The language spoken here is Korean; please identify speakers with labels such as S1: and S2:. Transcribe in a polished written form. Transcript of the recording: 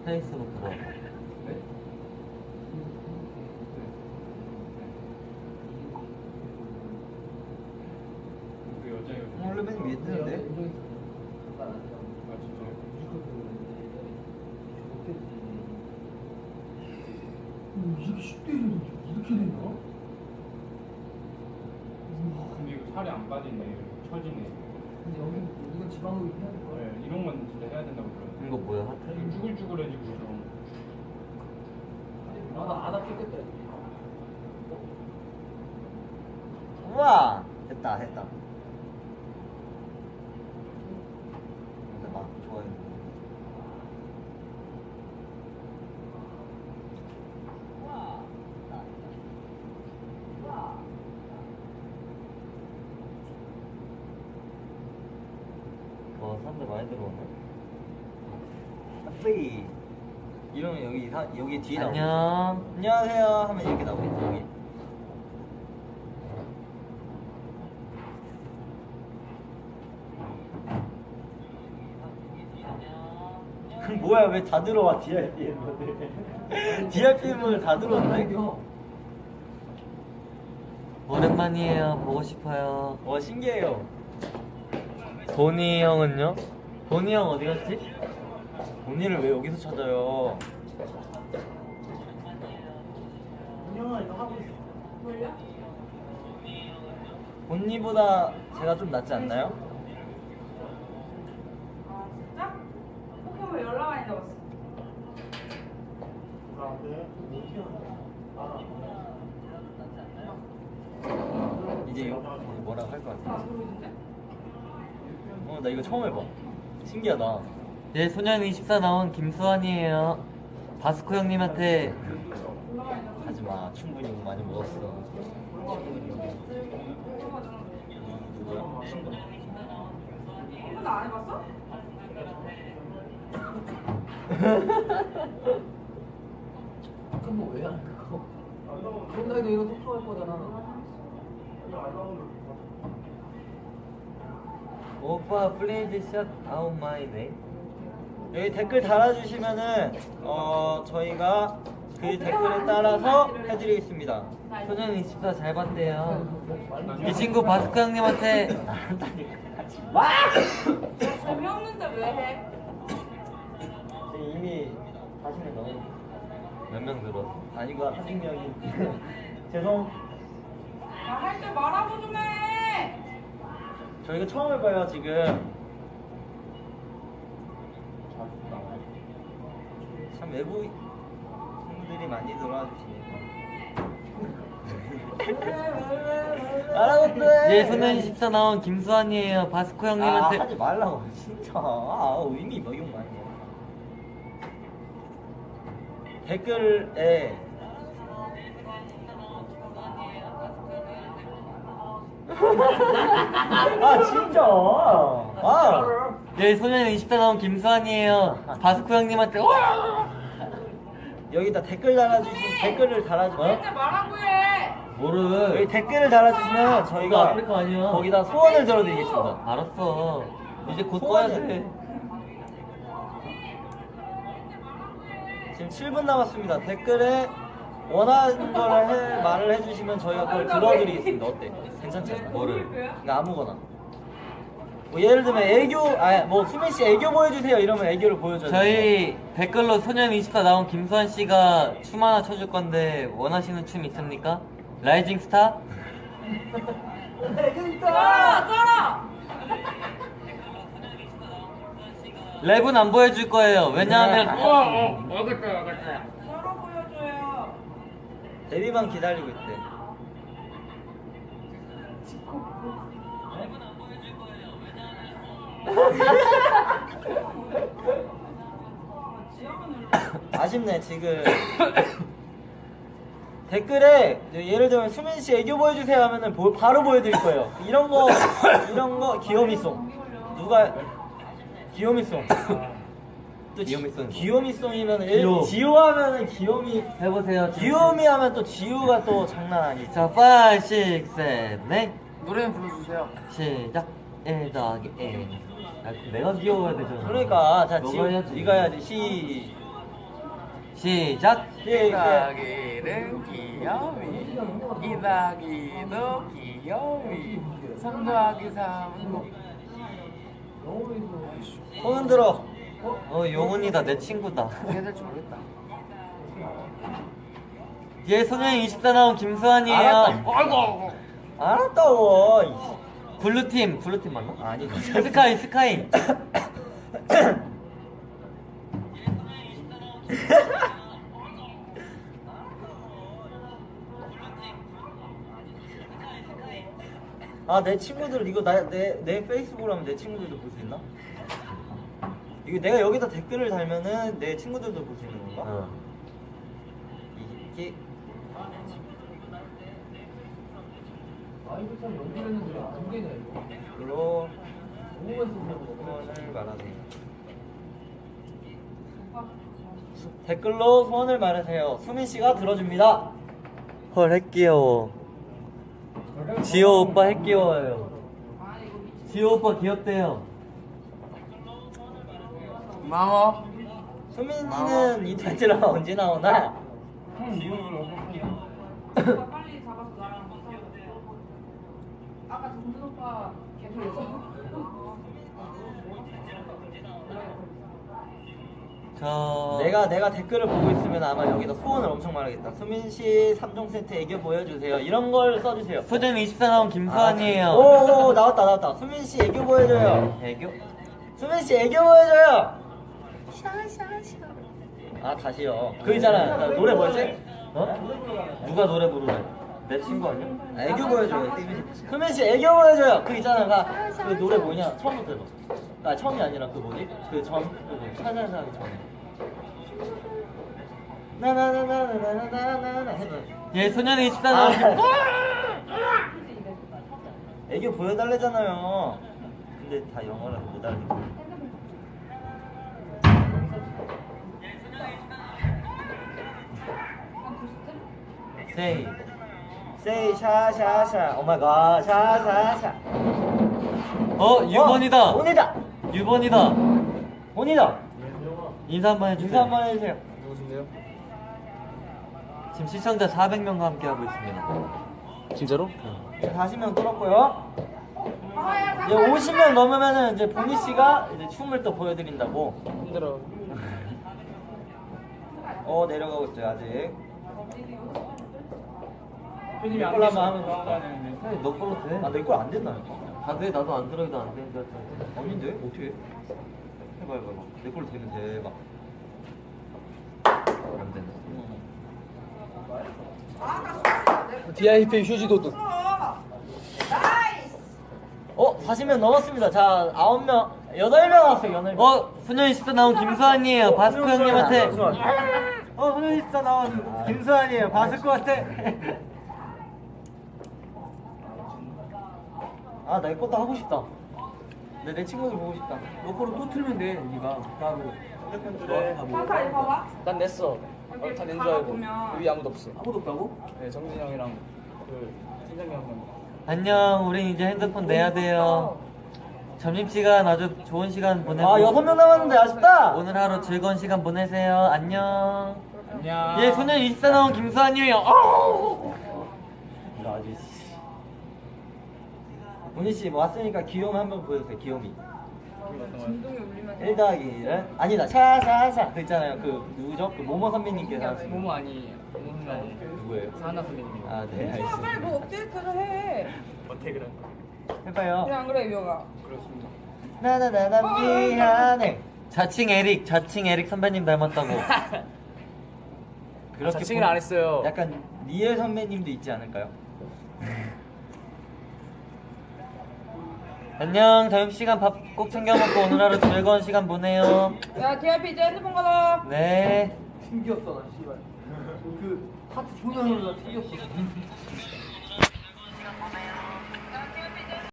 S1: 페이스북 들어.
S2: 원래 맨 위에 뜨는데?
S3: 아 진짜요?
S4: 이렇게 쉽게 이렇게 되나?
S3: 근데 이거 살이 안 빠지네. 처지네.
S4: 근데 여기 이건 지방흡입 해야 될 거야.
S3: 네, 이런 건 진짜 해야 된다고 들어요.
S1: 이거 뭐야? 하트?
S3: 쭈글쭈글해지고 좀.
S4: 안 아프겠다.
S2: 우와! 됐다 됐다. 근데 막 좋아요.
S1: 사람들 많이 들어오네.
S2: 뿌이. 이러면 여기 뒤에 나오겠지.
S1: 안녕.
S2: 안녕하세요 하면 이렇게 나오겠지 여기. 뭐야 왜 다 들어와 DRPM을 DRPM을 다 들어왔네.
S1: 오랜만이에요. 보고 싶어요.
S2: 와 신기해요.
S1: 보니 형은요? 보니 형 어디 갔지?
S2: 본인을 왜 여기서 찾아요? 본니보다 제가 좀 낫지 않나요?
S5: 아 진짜? 포켓몬 연락 많이 잡았어.
S2: 이제 이거 뭐라고 할 것 같아.
S5: 아 모르는데?
S2: 나 이거 처음 해봐. 신기하다.
S1: 예, 소년24 나온 김수환이에요. 바스코 형님한테
S2: 하지마, 충분히 많이 먹었어. 누구야? 친구.
S5: 한 번도 안 해봤어?
S4: 그럼 왜안 그거? 그럼 나도 이거 속도할 거잖아.
S1: 오빠 플레이즈 샷 아웃 마이 네임.
S2: 여기 댓글 달아주시면은 저희가 그 댓글에 따라서 해드리겠습니다.
S1: 소년24 잘 봤대요. 이 친구 바스코 형님한테
S5: 재미없는데 왜 해?
S2: 이미 40명 넘었어.
S1: 몇 명 들었어?
S2: 아니고 40명이 죄송.
S5: 할 때 말하고 좀 해.
S2: 저희가 처음 해봐요 지금. 참 외부 친구들이 많이 들어와 주시니까. 알아봤어.
S1: 예, 소년24 나온 김수환이에요. 바스코 형님한테
S2: 하지 말라고 진짜. 의미 뭐 이런 거 아니야. 댓글에 진짜.
S1: 예, 소년24 나온 김수환이에요. 바스코 형님한테
S2: 여기다 댓글 댓글을 달아주면
S5: 할 때 말하고 해.
S1: 뭐를
S2: 여기 댓글을 달아주시면
S1: 이거
S2: 저희가
S1: 아프리카 아니야.
S2: 거기다 소원을 들어드리겠습니다.
S1: 알았어. 이제 곧 꺼야
S2: 소원을.
S1: 돼.
S2: 지금 7분 남았습니다. 댓글에 원하는 걸 말을 해주시면 저희가 그걸 들어드리겠습니다. 어때? 괜찮지 않나?
S1: 뭐를?
S2: 그러니까 아무거나. 뭐 예를 들면 뭐 수민 씨 애교 보여주세요 이러면 애교를 보여줘요.
S1: 저희 댓글로 소년24 나온 김수환 씨가 춤 하나 춰줄 건데 원하시는 춤 있습니까? 라이징 스타?
S5: 쩔어.
S1: 랩은 안 보여줄 거예요. 왜냐하면
S5: 쩔어 보여줘요.
S2: 데뷔만 기다리고 있대. 아쉽네 지금. 댓글에 예를 들면 수민 씨 애교 보여주세요 하면은 바로 보여드릴 거예요. 이런 거 귀요미송. 누가 귀요미송. 또
S1: 귀요미송.
S2: 귀요미송이면
S1: 지효.
S2: 지효 하면은 귀요미.
S1: 해보세요.
S2: 귀요미 하면 또 지효가 또 장난 아니지.
S1: 자, 5, 6, 7, 8
S4: 노래 불러주세요.
S1: 시작. 1 더하기 1. 내가 귀여워야 되잖아.
S2: 그러니까 자
S1: 너가
S2: 지효
S1: 해야지.
S2: 네가 해야지.
S1: 시작.
S6: 이다기는 귀여위 이다기도 귀여위 3 더하기 3은
S2: 손 흔들어.
S1: 용훈이다. 내 친구다.
S6: 해야 될지 모르겠다.
S1: 뒤에 소년이 24 나온 김수환이에요.
S2: 알았다. 알았다고. 이씨.
S1: 블루팀 맞나?
S2: 아니
S1: 스카이.
S2: 내 친구들 이거 내 페이스북으로 하면 내 친구들도 볼 수 있나? 이거 내가 여기다 댓글을 달면은 내 친구들도 볼 수 있는 건가? 이게
S4: 이거 참 연기했는데 안 되냐 이거.
S2: 이걸로
S4: 너무 맛있어.
S2: 소원을 말하세요. 댓글로 소원을 말하세요. 수민 씨가 들어줍니다.
S1: 헐 핵귀여워. 지호 오빠 핵귀여워요. 지호 오빠 귀엽대요.
S6: 고마워.
S2: 수민이는 이 드라마 언제 나오나?
S5: 빨리 잡아서 나랑 아까 정준 오빠 계속
S2: 내가 댓글을 보고 있으면 아마 여기다 소원을 엄청 말하겠다. 수민 씨 3종 세트 애교 보여주세요. 이런 걸 써주세요.
S1: 소년 24 나온 김수환이에요.
S2: 오 나왔다. 수민 씨 애교 보여줘요.
S1: 애교?
S2: 수민 씨 애교 보여줘요. 다시요. 그 있잖아. 노래 뭐였지?
S1: 누가 노래 부르래? 내 친구 아니야?
S2: 애교 보여줘요. 수민 씨 애교 보여줘요. 그 있잖아. 그 노래 뭐냐? 처음부터 해봐. 처음이 아니라 그 뭐지? 살살살 하기 전에. 나나나나나나나나나 해봐.
S1: 얘 소년이 24 나온
S2: 애교 보여달래잖아요. 근데 다 영어를 못 알아듣고.
S1: 세이.
S2: Say 샤샤샤. 오 마이 갓. 샤샤샤.
S1: 유번이다.
S2: 온이다.
S1: 유번이다.
S2: 온이다.
S1: 인사 한번 해주세요.
S2: 인사 한번 해주세요.
S6: 누구신데요?
S1: 지금 시청자 400명과 함께 하고 있습니다.
S6: 진짜로?
S2: 40명 뚫었고요. 이제 50명 넘으면은 이제 보니 씨가 이제 춤을 또 보여드린다고.
S6: 힘들어.
S2: 내려가고 있어요 아직.
S3: 표님이 안
S2: 걸로
S3: 계셔.
S2: 한번 하면
S3: 되는데.
S1: 너 걸로 돼.
S2: 내 거 안 된다니까.
S1: 그래 나도 안 들어도 안 되는 줄 알았는데.
S2: 아닌데 어떻게 해? 해봐. 내 걸로 되면 대박.
S1: 안 되네.
S6: DIP 휴지 도둑.
S5: 나이스
S2: 40명 넘었습니다. 자 9명 8명 왔어요 8명.
S1: 소년 24 나온 김수환이에요. 바스코 형님한테.
S2: 소년 24 나온 김수환이에요. 바스코한테. 내 것도 하고 싶다. 내 친구들 보고 싶다.
S6: 너 거를 또 틀면 돼, 네가 따로.
S5: 파사 이거 봐봐
S6: 난 냈어. 다낸 줄 알고.
S5: 보면.
S6: 여기 아무도 없어.
S4: 아무도 없다고?
S6: 네, 정진이 형이랑 그 팀장님 한 명.
S1: 안녕. 우린 이제 핸드폰 내야 돼요. 점심시간 아주 좋은 시간 보내고
S2: 6명 남았는데 아쉽다.
S1: 오늘 하루 즐거운 시간 보내세요. 안녕.
S3: 안녕.
S1: 예, 소년 24 나온 김수환이에요.
S2: 이거 아주 보니 씨 왔으니까 귀요미 한번 보여주세요. 귀요미.
S5: 진동이 울리면
S2: 1 더하기 1은 아니다. 샤샤샤 그 있잖아요. 그 누구죠? 그 모모 선배님께서 하신
S6: 모모 아니에요. 모모 선배 아니에요.
S2: 누구예요?
S6: 사하나 선배님이.
S2: 네
S5: 빨리
S2: 알겠습니다.
S5: 뭐 업데이트를 해
S6: 어떻게 그래?
S2: 해봐요.
S5: 그래 안 그래 유영아
S6: 그렇습니다.
S2: 나나나나 미안해.
S1: 자칭 에릭 선배님 닮았다고.
S2: 그렇게
S6: 자칭을 안 했어요.
S2: 약간 리엘 선배님도 있지 않을까요?
S1: 안녕. 점심시간 밥 꼭 챙겨 먹고 오늘 하루 즐거운 시간 보내요.
S5: 야 DIP 이제 핸드폰 가라
S1: 네.
S4: 튕겼어 나 씨발. 그 하트 존나 흘러 튕겼어.